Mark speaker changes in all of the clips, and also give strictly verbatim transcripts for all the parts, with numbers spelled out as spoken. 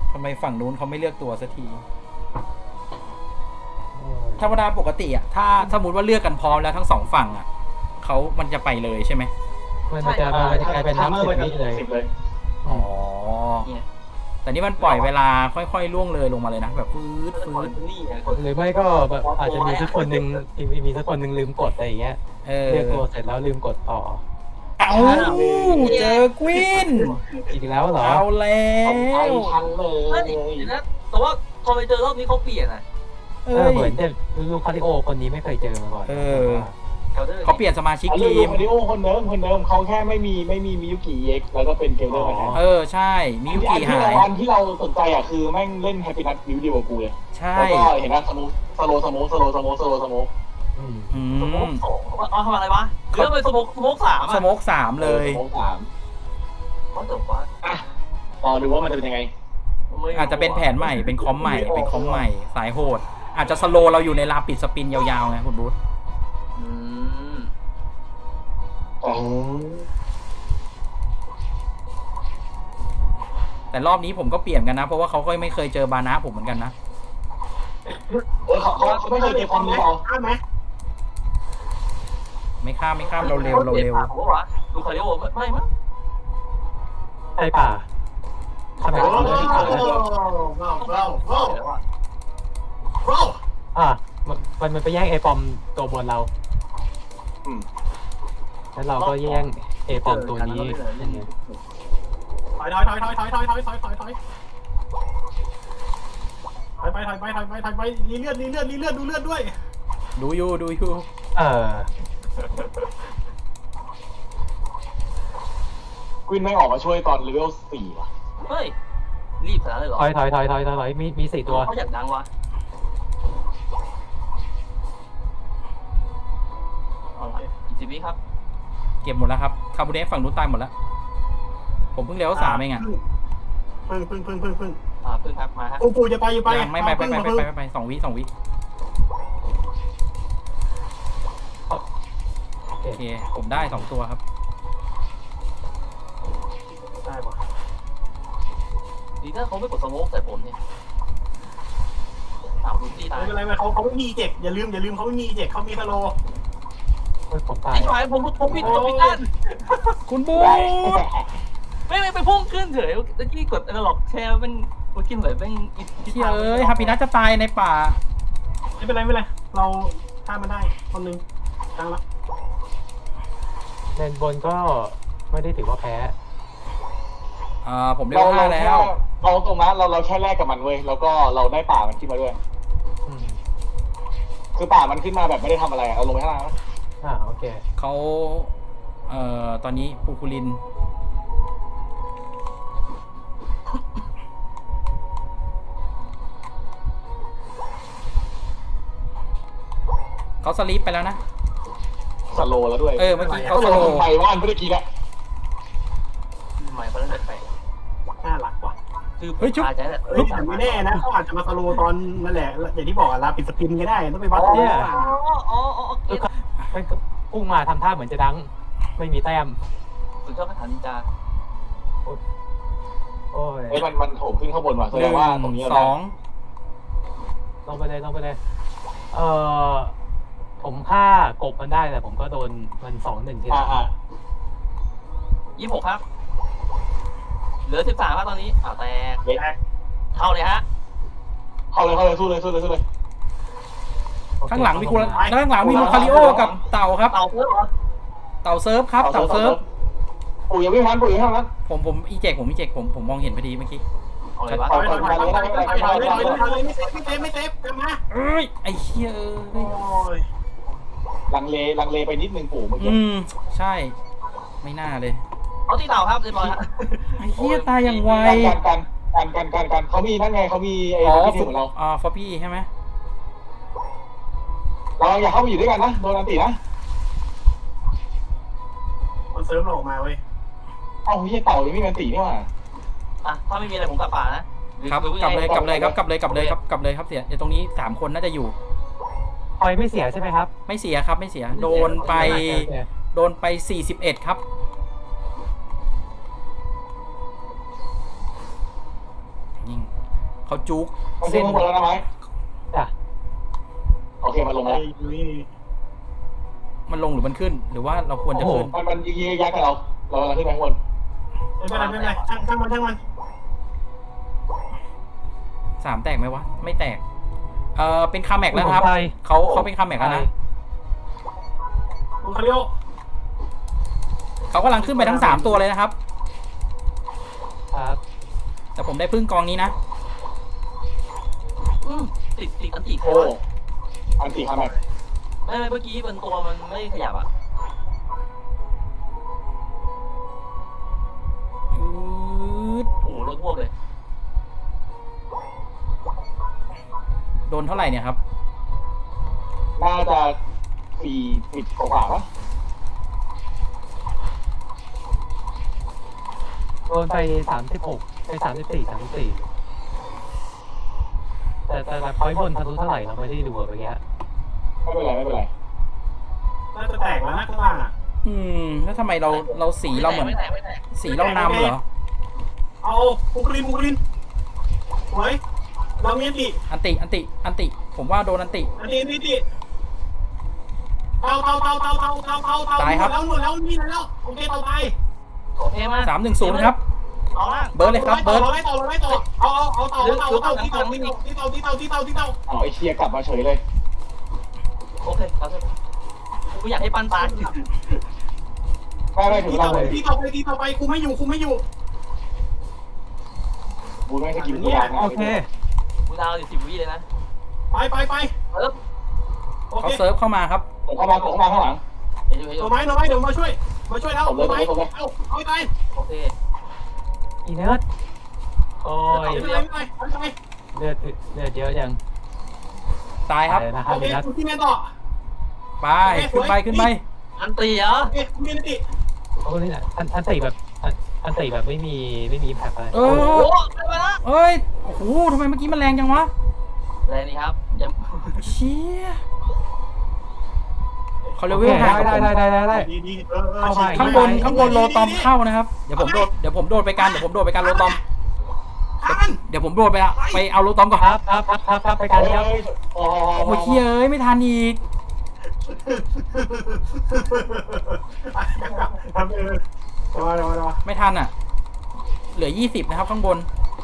Speaker 1: ทำไมฝั่งนู้นเขาไม่เลือกตัวสักทีธรรมดาปกติอ่ะถ้าสมมติว่าเลือกกันพร้อมแล้วทั้งสองฝั่งอ่ะเขามันจะไปเลยใช่ไหม
Speaker 2: มันจะมันจะกลายเป็นน้ำสิบวิเลย
Speaker 1: อ๋อแต่นี่มันปล่อยเวลาค่อยๆล่วงเลยลงมาเลยนะแบบฟืดฟืด
Speaker 2: หรือไม่ก็แบบอาจจะมีสักคนหนึ่งมีสักคนหนึ่งลืมกดอะไรอย่างเงี้ยเลือกตัวเสร็จแล้วลืมกดต่อ
Speaker 1: เอาเจอกวิน
Speaker 2: อีกแล้วเหรอ
Speaker 1: เอาแล้ว
Speaker 3: ทันเลยนะแต่ว่าพอไปเจอรอบนี้เขาเปลี่ยนอ่ะ
Speaker 2: เออเหมือนจะลูกคาริโอคนนี้ไม่เคยเจอมาก่อน
Speaker 1: เออเขาเปลี่ยนสมาชิกทีม
Speaker 4: คาริโอคนเดิมคนเดิมเขาแค่ไม่มีไม่มีมิยุกิเอ็กแล้วก็เป็นเกลเดอร์มาแทน
Speaker 1: เออใช่มิยุกิหาย
Speaker 4: อันที่เราสนใจอ่ะคือแม่งเล่นแฮปปี้นัทมิวเดียวกับกูเลย
Speaker 1: ใช่
Speaker 4: แล้วก็เห็นว่าสโมสโลสโมสโลสโมสโลสโม
Speaker 3: อืมสโมกสองเอาทำอะไรวะหรือเป็นสโมกสโมกสาม
Speaker 1: สโมกสามเลย
Speaker 4: สโมกสาม
Speaker 3: เขาจบว่า
Speaker 4: อ่ะรอดูว่ามันจะเป็นยังไง
Speaker 1: อาจจะเป็นแผนใหม่เป็นคอมใหม่เป็นคอมใหม่สายโหดอาจจะสโลเราอยู่ในลาปิดสปินยาวๆไงคุณบูธแต่รอบนี้ผมก็เปลี่ยนกันนะเพราะว่าเขาก็ไม่เคยเจอบานะผมเหมือนกันนะ
Speaker 4: เออเขาเขาไม่เคยเจอคอมนี้หรอข้ามไหม
Speaker 1: ไม่ข้ามไม่ข้ามเราเร็วเราเร็ว
Speaker 3: ดูคาริโอไม่มั้ง
Speaker 2: ใช่ป่ะทำไมเขาไม่ป่าอ่ะมันมันไปแย่งไอปอมตัวบนเราแล้วเราก็แย่งไอปอมตัวนี้
Speaker 4: ถอยถอยถอยถอยถอยถอยถอยถอยถอยถอยถอยไปถอยไปถอยไปถอยไปรีเลือดรีเลือดรีเลือดดูเลือดด้วย
Speaker 1: ดูอยู่ดูอยู่
Speaker 2: เออ
Speaker 4: ควินไม่ออกมาช่วยตอนเลเวลสี่ว่ะ
Speaker 3: เฮ้ยรีบขนาดเลยเหรอ
Speaker 2: ถอยถอยถอยถอยถอยมีมีสี่ตัว
Speaker 3: เขาอยากดังวะเอาละอีกสิบวิครับ
Speaker 1: เก็บหมดแล้วครับคาบูเดฟฝั่งนู้นตายหมดแล้วผมเพิ่งเลี้ยวสามเองอ่ะ
Speaker 4: พึ่งพึ่งพึ่งพึ่งพึ่ง
Speaker 3: อ่าพึ่งครับมาฮะ
Speaker 4: ปูปูจะไปจะไป
Speaker 1: ไม่ไปไปไปไปไปไปสองวิสองวิโอเคผมได้สองตัวครับ
Speaker 3: ได้ป่ะดีถ้าเขาไม่กดสโมกใส่ผมเนี่ยอ้าวดูซี่ตาย
Speaker 4: ไม่เป็นไรไม่เขาเขาไม่มีเจ็กอย่าลืมอย่าลืมเขาไม่มีเจ็กเขามีสโล
Speaker 2: ผมตาย
Speaker 3: ไอ้ชายผมผมผิดผมผิดนั่น
Speaker 1: คุณบู
Speaker 3: ไม่ไม่ไปพุ่งขึ้นเฉยเมื่อกี้กดอะไรหรอกแชร์เป็นเมื่อกี้เหมือนเป็น
Speaker 1: อีเอ้ยฮาปินัทจะตายในป่า
Speaker 4: ไม่เป็นไรไม่เป็นไรเราฆ่ามันได้คนนึงตั้งละ
Speaker 2: เลนบนก็ไม่ได้ถือว่าแพ้
Speaker 1: อ่าผมเรียกว่าแล้ว
Speaker 4: เราตรงนั้นเราเราแค่แลกกับมันเว้ยแล้วก็เราได้ป่ามันขึ้นมาด้วยคือป่ามันขึ้นมาแบบไม่ได้ทำอะไรเอาลงไปข้างล่างนะ
Speaker 2: อ่าโอเค
Speaker 1: เขาเอ่อตอนนี้ปูคูลินเขาสลีปไปแล้วนะ
Speaker 4: สโลแล้วด้วย
Speaker 1: เออเมื่อกี้เขาสโล
Speaker 4: ไปว่านเมื่อกี้นะ
Speaker 3: ทำไมเขาเล่นแบบไป
Speaker 4: น่ารักว่ะ
Speaker 3: คือเฮ้ยชุบ
Speaker 4: แต่ไม่แน่นะเขาอาจจะมาสโลตอนนั่นแหละอย่างที่บอกอะลาปิดสปินก็ได้ต้องไปวัด
Speaker 3: เนี่ยอ๋ออ๋อโอเค
Speaker 2: พุ่งมาทำท่าเหมือนจะดังไม่มีแต้ม
Speaker 3: สุดยอดคาถานินจา
Speaker 2: โอ้ย
Speaker 4: ไอ้มันมันโถมขึ้นข้างบนว่ะแสดงว่าตรงนี้
Speaker 1: สอง
Speaker 2: ลงไปเลยลงไปเลยเอ่อผมฆ่ากบมันได้แต่ผมก็โดนมันสองหนึ่งที
Speaker 4: อ่า
Speaker 3: ยี่สิบหกครับเหลือสิบสามครับตอนนี้อ่าแตกเข้าเลยฮะ
Speaker 4: เข้าเลยเข้าเลยสู้เลยสู้เลยสู้เลย
Speaker 1: ข้างหลังมีคุณข้างหลังมีลูคาริโอกับเต่าครับ
Speaker 3: เต่าเซิร์ฟเหรอ
Speaker 1: เต่าเซิร์ฟครับเต่าเซิร์ฟ
Speaker 4: ปู่ยังไม่ทันปู่ยังไม่ทัน
Speaker 1: ผมผมอีเจกผมอีเจกผมผมมองเห็นพอดีเมื่อกี้
Speaker 3: อะไรวะ
Speaker 4: ไม่เซฟไม่เซฟไม่เซฟกลับมา
Speaker 1: เอ้ยไอ้เหี้ยเอ้
Speaker 4: ยลังเลลังเลไปนิดนึงปู่เมื่อกี้
Speaker 1: อืมใช่ไม่น่าเลย
Speaker 3: เอาที่เต่าครับเรียบร้อยฮะ
Speaker 1: ไอ้เหี้ยตายอย่างไว
Speaker 4: กันกันกันกันกันเขามีนั่นไงเขามีไอ้ที่ของเรา
Speaker 1: อ่าฟอปี้ใช่ไหม
Speaker 4: เราอย่าเข้าไปอยู่ด้วยกันนะโดนอันตีนะคนเซิร์ฟเราออกมาเว้ยเอ้าเฮียเต่ายังไม่มีอันตีนี่หว่า
Speaker 3: อ่ะถ้าไม่มีอะไรผมกลับป่านะครับ
Speaker 1: กลับเลยกลับเลยครับกลับเลยกลับเลยครับกลับเลยครับเสียเดี๋ยวตรงนี้สามคนน่าจะอยู่
Speaker 2: คอยไม่เสียใช่ไหมครับ
Speaker 1: ไม่เสียครับไม่เสียโดนไปโดนไปสี่สิบเอ็ดครับยิงเขาจุก
Speaker 5: มันขึ้นข้างบนแล้วนะไหม
Speaker 2: จ้ะ
Speaker 5: โอเคมันลง
Speaker 4: ไอ้
Speaker 5: แล้ว
Speaker 4: นี่
Speaker 1: มันลงหรือมันขึ้น หรือว่าเราควรจะขึ้น
Speaker 5: มันมันยิงยักษ์กับเราเรากำลังขึ้นไปข้างบน
Speaker 4: ไม่เป็นไรไม่เป็นไรช่างช่างมันช่างมัน
Speaker 1: สามแตกไหมวะ ไม่แตก เออเป็นคาแม็กแล้วนะครับ
Speaker 2: ไป
Speaker 1: เขาเขาเป็นคาแม็กแล้วนะ
Speaker 4: คุณคาริโอ
Speaker 1: เขากำลังขึ้นไปทั้งสามตัวเลยนะครับ
Speaker 2: ครับ
Speaker 1: แต่ผมได้พึ่งกองนี้นะ
Speaker 3: อืมติดติดอันติด
Speaker 5: โอ้อันสี่คาแม็ก
Speaker 3: ไม่ไม่เมื่อกี้บนตัวมันไม่ขยับอ่ะ
Speaker 1: อืด
Speaker 3: โอ้โหรถพวกเลย
Speaker 1: โดนเท่าไหร่เนี่ยครับ
Speaker 5: น่าจะสี่สิบกว่าปะ
Speaker 2: โดนไปสามสิบหกไปสามสิบสี่สามสิบสี่แต่แต่แบบพอยบนทะลุเท่าไหร่เราไม่ได้ดูอะเมื่อกี้
Speaker 5: ไม่เป็นไรไม่เป็นไร
Speaker 4: น่าจะแตกแล้วนะข้างล่างอ่ะ
Speaker 1: อืม แล้วทำไมเราเราสีเราเหมือน
Speaker 3: ไม่แตกไม่แตก
Speaker 1: สีเรานำเหรอ
Speaker 4: เอาบุกลินบุกลินสวยเรามีอันติ
Speaker 1: อันติ อันติ อันติ ผมว่าโดนอันติ
Speaker 4: อันติอันติเตาเตาเตาเตาเตาเตาเตาเตา
Speaker 1: ตายครับ
Speaker 4: แล้วหมดแล้วนี่แล้วโอเคเตาตาย
Speaker 3: โอเคมา
Speaker 1: สามหนึ่งศูนย์ครับ
Speaker 3: เอาละ
Speaker 1: เบิร์ดเลยครับ เบิร์ด
Speaker 4: เราไล่ต่อเราไล่ต่อเอาเอาเอาเตาเตาเตาที่เตาที่เตาที่เตาที่เตาที่เตาที่เตา
Speaker 5: เอาไอเชียกลับมาเฉยเลย
Speaker 3: โอเคเอาเถอะกูอยากให้ปันตาย
Speaker 5: ไม่ไม่ถึง
Speaker 4: ที่
Speaker 5: เรา
Speaker 4: เตา
Speaker 5: เลย
Speaker 4: ที่เตาไปที่เตาไปกูไม่อยู่กูไม่อยู่
Speaker 5: บูไม่สกิลกูยากนะ
Speaker 2: โอเค
Speaker 3: กูดาวอยู่สิบวิเลยนะ
Speaker 4: ไปไปไป
Speaker 3: เอิบ
Speaker 4: โอ
Speaker 1: เขา
Speaker 4: เค
Speaker 1: เซิร์ฟเข้ามาครับ
Speaker 5: ผมเข้ามาผมเข้ามาข้างหลัง
Speaker 3: เดี๋ยวเดี๋ยวเดี๋ยว
Speaker 4: เอาไม้เอาไม้เดี๋ยวมาช่วยมาช่วยแล้วเอาไม้เอาเอาไป
Speaker 3: โอเค
Speaker 2: อีเนิร์ดโอ้ย
Speaker 4: ไม่เป็นไรไม่เป็นไร
Speaker 2: เลือดเลือดเยอะจัง
Speaker 1: ตายครับ
Speaker 2: ตายนะค
Speaker 4: โอ
Speaker 2: รับ
Speaker 4: เค
Speaker 2: อีเนิร์ด
Speaker 4: คุณที่แม่ต่อ
Speaker 1: ไป ขึ้นไป ขึ้นไป
Speaker 3: อันตีเหรอ
Speaker 4: โอเคคุณมีนติ
Speaker 2: โอ้นี่แหละอันอันติแบบอันอันติแบบไม่มีไม่มีแพ็คอะไร
Speaker 1: เอ
Speaker 3: โอ้
Speaker 1: อ
Speaker 3: โหได้มาละ
Speaker 1: เอ้ย โอ้โหทำไมเมื่อกี้มันแรงจังวะ
Speaker 3: แรงนี่ครับยัง
Speaker 1: เชี่ยเขาเล
Speaker 2: โอ
Speaker 1: เว
Speaker 2: เค
Speaker 1: ลห่าง
Speaker 2: ได้
Speaker 1: กับผม
Speaker 2: ได้ได้ได้ได้
Speaker 4: ดีดีเออเออ
Speaker 2: เข้ามา
Speaker 1: ข้างบน ข้างบนโลตอมเข้านะครับ เดี๋ยวผมโดด เดี๋ยวผมโดดไปกัน เดี๋ยวผมโดดไปกันโลตอม
Speaker 4: ทัน
Speaker 1: เดี๋ยวผมโดดไปอะไปเอาโลตอมก่อน
Speaker 2: ครับครับครับครับครับไปกันครับ
Speaker 5: เฮ้ยโอ้
Speaker 1: โอ้ยเชี่ยเอ้ย ไม่ทันอีก
Speaker 4: ทำเออรอรอรอ
Speaker 1: ไม่ทันอ่ะ เหลือยี่สิบนะครับข้างบน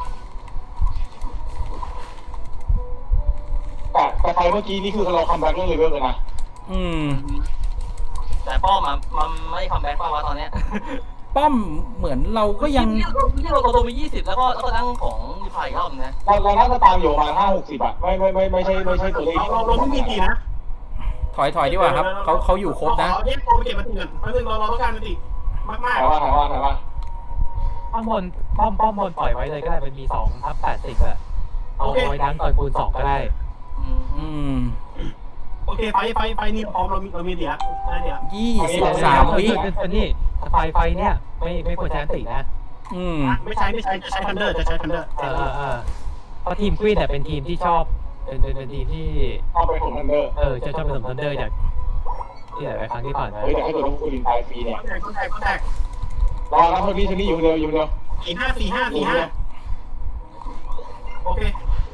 Speaker 5: แต่แต่ไฟเมื่อกี้นี่คือเราคัมแบ็กเรื่องเลเวลเลยนะ
Speaker 1: อืม
Speaker 3: แต่ป้อมอะมันไม่คัมแบ็กป่าวะตอนเนี้ย
Speaker 1: ป้อมเหมือนเราก็ยัง
Speaker 3: ที่เราตัวมียี่สิบแล้วก็แล้วก็ตั้งของรีพายอีกรอบนึงนะ
Speaker 5: เราเราน่าจะตามอยู่ประมาณห้าหกสิบอะไม่ไม่ไม่ไม่ใช่ไม่ใช่ตัวเลข
Speaker 4: เราเราไม่มีตีนะ
Speaker 1: ถอยถอยดีกว่าครับเขาเขาอยู่ครบนะ
Speaker 4: เราแยกตัวไปเก็บมันตีกันเพราะนึงเราเราต้องการมันตีมากมาก
Speaker 5: ถ่ายว่าถ่ายว่าถ่ายว่า
Speaker 2: ป้อมบนป้อมป้อมบนปล่อยไว้เลยก็ได้มันมีสองทับแปดสิบอะเอาไว้ดันต่อยคูณสองก็ได้
Speaker 3: อืม
Speaker 1: อืม
Speaker 4: โอเคไฟไฟไฟนี่พร้อมเรามีเรามีเดียนะเดีย
Speaker 1: ยี่สิบสามวิ
Speaker 2: อันนี้ไฟไฟเนี่ยไม่ไม่ควรใช้อันตินะ
Speaker 1: อืม
Speaker 4: ไม่ใช้ไม่ใช้จะใช้ทันเดอร์จะใช้ทันเดอร์
Speaker 2: เออเออเออเพราะทีมควีนเนี่ยเป็นทีมที่ชอบเป็นเป็นเป็นทีมที่
Speaker 5: เอาไปผมทันเดอร์
Speaker 2: เออจะชอบเป็นสมทันเดอร์จากที่หลายๆครั้งที่ผ่านมา
Speaker 5: เฮ้ยแต่ถ้าเกิดว่าคุณลินตายฟรีเนี่ย
Speaker 4: แตกก็แตกก็แตก
Speaker 5: รอนะคนนี้คนนี้อยู่เดียวอยู่เดียว
Speaker 4: สี่ห้าสี่ห้าสี่ห้าโอเค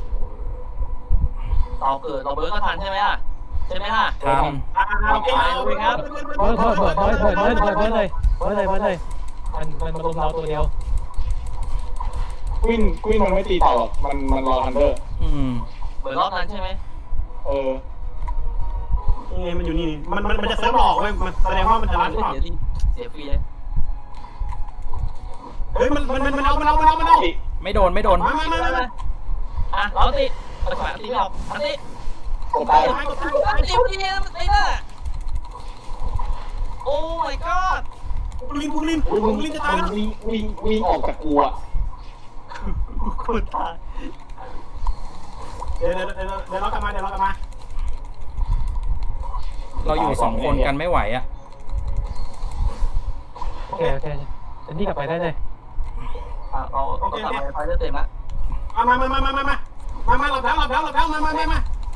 Speaker 3: ต่อเกิดเราเบิร์ดก็ทันใช่ไหมล่ะใช่ไหมล่ะ
Speaker 1: ท
Speaker 4: อ่าโอเค
Speaker 2: เบิร์ดเบิร์ดเบิร์ดเบิร์ดเบิร์ดเบิร์ดเบิร์ดเบิร์ดเบิร์ดเลยเบิร์ดเลยเบิร์ดเลยมันมันมารุมเราตัวเดียว
Speaker 5: ควินควินมันไม่ตีต่อหรอกมันมันรอทันเดอร์
Speaker 1: ำอืม
Speaker 3: เบิร์ดรอบนั้นใช่ไหม
Speaker 5: เออ
Speaker 4: ยังไงมันอยู่นี่มันมันมันจะเซิร์ฟหลอกเว้ยมันแสดงว่ามันจะรัน
Speaker 3: เสี
Speaker 4: เปล่าย
Speaker 3: ดิเสียฟรีเลย
Speaker 4: เฮ้ยมันมันมันเอามันเอามันเอามันเอา
Speaker 1: ไม่โดนไม่โดน
Speaker 4: มามามามา
Speaker 3: อ่ะเราติเอาขวาตีไม่ออกอันนี้
Speaker 5: กดตาย
Speaker 4: ไปกดไปกดไป
Speaker 3: อันนี้พอดีมันไอ้น่ะโอ้ my god
Speaker 4: บุลินบุลิน
Speaker 5: อุ้ยมึง
Speaker 4: บุลินจะตายแล้ว
Speaker 5: วิ่งวิ่งวิ่งออกจากกูอะ
Speaker 3: โคตรตาย
Speaker 4: เดี๋ยวเดี๋ยวเดี๋ยวเดี๋ยวเรากลับมาเดี๋ยวเรากลับมา
Speaker 1: เราอยู่สองคนกันไม่ไหวอ่ะ
Speaker 2: โอเคโอเคอันนี้กลับไปได้เลย
Speaker 3: อ่ะเราเรากลับมาไฟเลือดเต็มละ
Speaker 4: มามามามามามามามาหลับแล้วหลับแล้วหลับแล้วมามามามา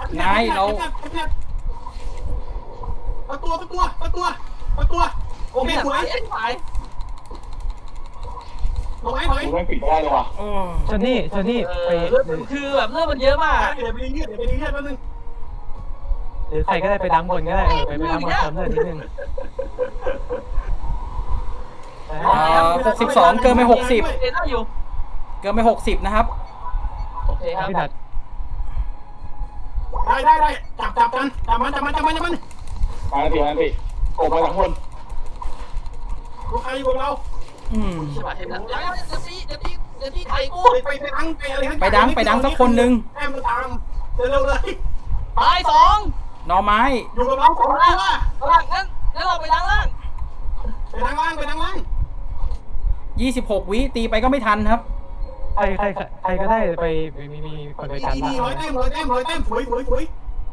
Speaker 4: ประตัวประตัวประตัวประตัวโอเคสวย
Speaker 3: ไอ้ตาย
Speaker 4: มลงไอ้ถอย
Speaker 5: กูไม่ปิดไม่ได้เลยว่ะ
Speaker 1: โอ้
Speaker 2: ชนนี่ชนนี่
Speaker 3: เอ
Speaker 2: ไป
Speaker 3: อเลือดมันคือแบบเลือดมันเยอะมาก
Speaker 4: เดี๋ยวไปดีเลือดเดี๋ยวไปดีเลือดแป๊บนึง
Speaker 2: หรือใครก็ได้ไปดังบนก็ได้เออไปไปดังบนเติมเลือดนิดนึง
Speaker 1: หกสิบสองเกินไปหกสิบ
Speaker 3: เอ็นได้อยู่
Speaker 1: เกินไปหกสิบนะครับ
Speaker 3: โอเคครับ
Speaker 2: พี่นัด
Speaker 4: ได้ได้ได้จับจับกันจับมันจับมันจับมันจับมัน
Speaker 5: มาอันติมาอันติกบมาจากข้างบน
Speaker 4: ลูกใครอยู่กับเรา
Speaker 1: อืม
Speaker 3: ใช่ป่ะเทปนั้นเดี๋ยวเดี๋ยวตีเดี๋ยวตีเดี๋ยวตีไข่กู
Speaker 4: ไปไปไปดังไปอะไร
Speaker 1: ไปดังไปดังสักคนหนึ่ง
Speaker 4: แอมมาตามเร็วๆเลย
Speaker 3: ตายสอง
Speaker 1: หน่อไม้
Speaker 4: อยู่กับเราสองตัว
Speaker 3: ล่างงั้นงั้นเราไปดังล่าง
Speaker 4: ไปดังล่างไปดังล่าง
Speaker 1: ยี่สิบหกวิตีไปก็ไม่ทันครับ
Speaker 2: ใครใครใครก็ได้ไปมีมีคนไป
Speaker 4: ดี
Speaker 2: จัน
Speaker 4: ดีร้อยเต็มร้อยเต็มร้อยเต็มสวยสวยสวย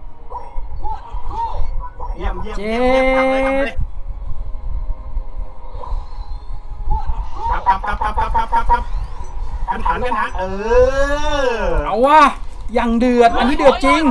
Speaker 4: เยี่ยมเยี่ยม
Speaker 1: เจ็ด
Speaker 4: ครับครับครับครับครับครับครับกันฐานกันฐานเออ
Speaker 1: เอาว่ะยังเดือด อันนี้เดือดจริง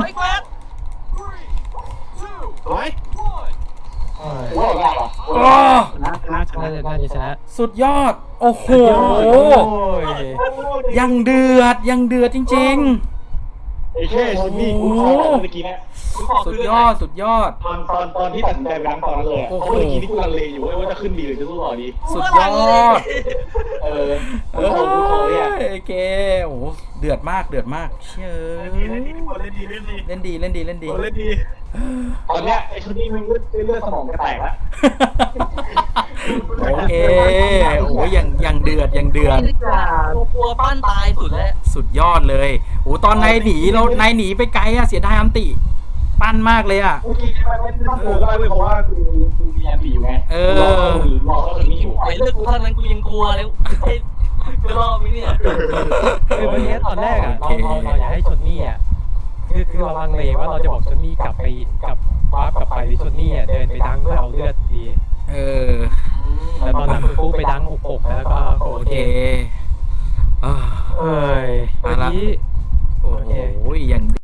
Speaker 4: สวย
Speaker 5: กูว่าได้ป่ะ
Speaker 1: โอ้
Speaker 4: ชนะชนะช
Speaker 2: น่า
Speaker 4: นะ
Speaker 2: จะน่าจะชนะ
Speaker 1: สุดยอด โอ้โห
Speaker 2: โอ้ย
Speaker 1: ยังเดือด ยังเดือดจริง
Speaker 5: ไอ้แค่ชนนี่กูขอเมื่อกี้เนี่ย
Speaker 1: ๆ สุดยอด สุดยอด
Speaker 5: ตอนตอนตอนที่ตัดสินใจไปล้างตอนนั้นเลยอะ
Speaker 1: โอ้
Speaker 5: เพ
Speaker 1: โห
Speaker 5: ราะเมื่อกี้นี่กูลังเลอยู่ว่าจะขึ้นดีหรือจะสู้ต่อดี
Speaker 1: สุดยอด
Speaker 5: เออ
Speaker 1: เอ
Speaker 5: กูขอกูขอเนี่ย
Speaker 1: ้ยเกโอ้โหเดือดมาก เดือดมาก เชย
Speaker 4: เล่นดีเล่นดีเล่นดี
Speaker 1: เล่นดี เล่นดี เล่นดี
Speaker 4: เล่นดี
Speaker 5: ตอนเนี้ยไอ้ชนนี่มันเลือดเลือดสมองจะแตกแล้ว
Speaker 1: โอเค โอ้ยยังยังเดือด ยังเดือด
Speaker 3: ตัวกลัวปั้นตายสุดแล้ว
Speaker 1: สุดยอดเลยโอ้ตอนนายหนีเรานายหนีไปไกลอะเสียดายอัมติ ปั้นมากเลยอะ
Speaker 5: เมื่อกี้ไม่ไม่ต้องโผล่ก็ได้เลยเพราะว่ากูกูมีอันตีอยู่ไง
Speaker 1: เออ
Speaker 5: รอรอเขาชนนี่อยู่
Speaker 3: ไอ้เลือดกูเท่านั้นกูยังกลัวเลยกูรอดไหมเนี่ย
Speaker 2: คือเมื่อกี้ตอนแรกอ่ะเราเราเราอยากให้ชนนี่อ่ะคือคือเราลังเลว่าเราจะบอกชนนี่กลับไปกลับวาร์ปกลับไปหรือชนนี่อ่ะเดินไปดังเพื่อเอาเลือดดี
Speaker 1: เออ
Speaker 2: แต่ตอนนั้นกูไปดังอกอกแล้วก็โอ
Speaker 1: โอ
Speaker 2: เค
Speaker 1: เคอ่า
Speaker 2: เอ้ยเมื่อกี้
Speaker 1: โอ้โหยัง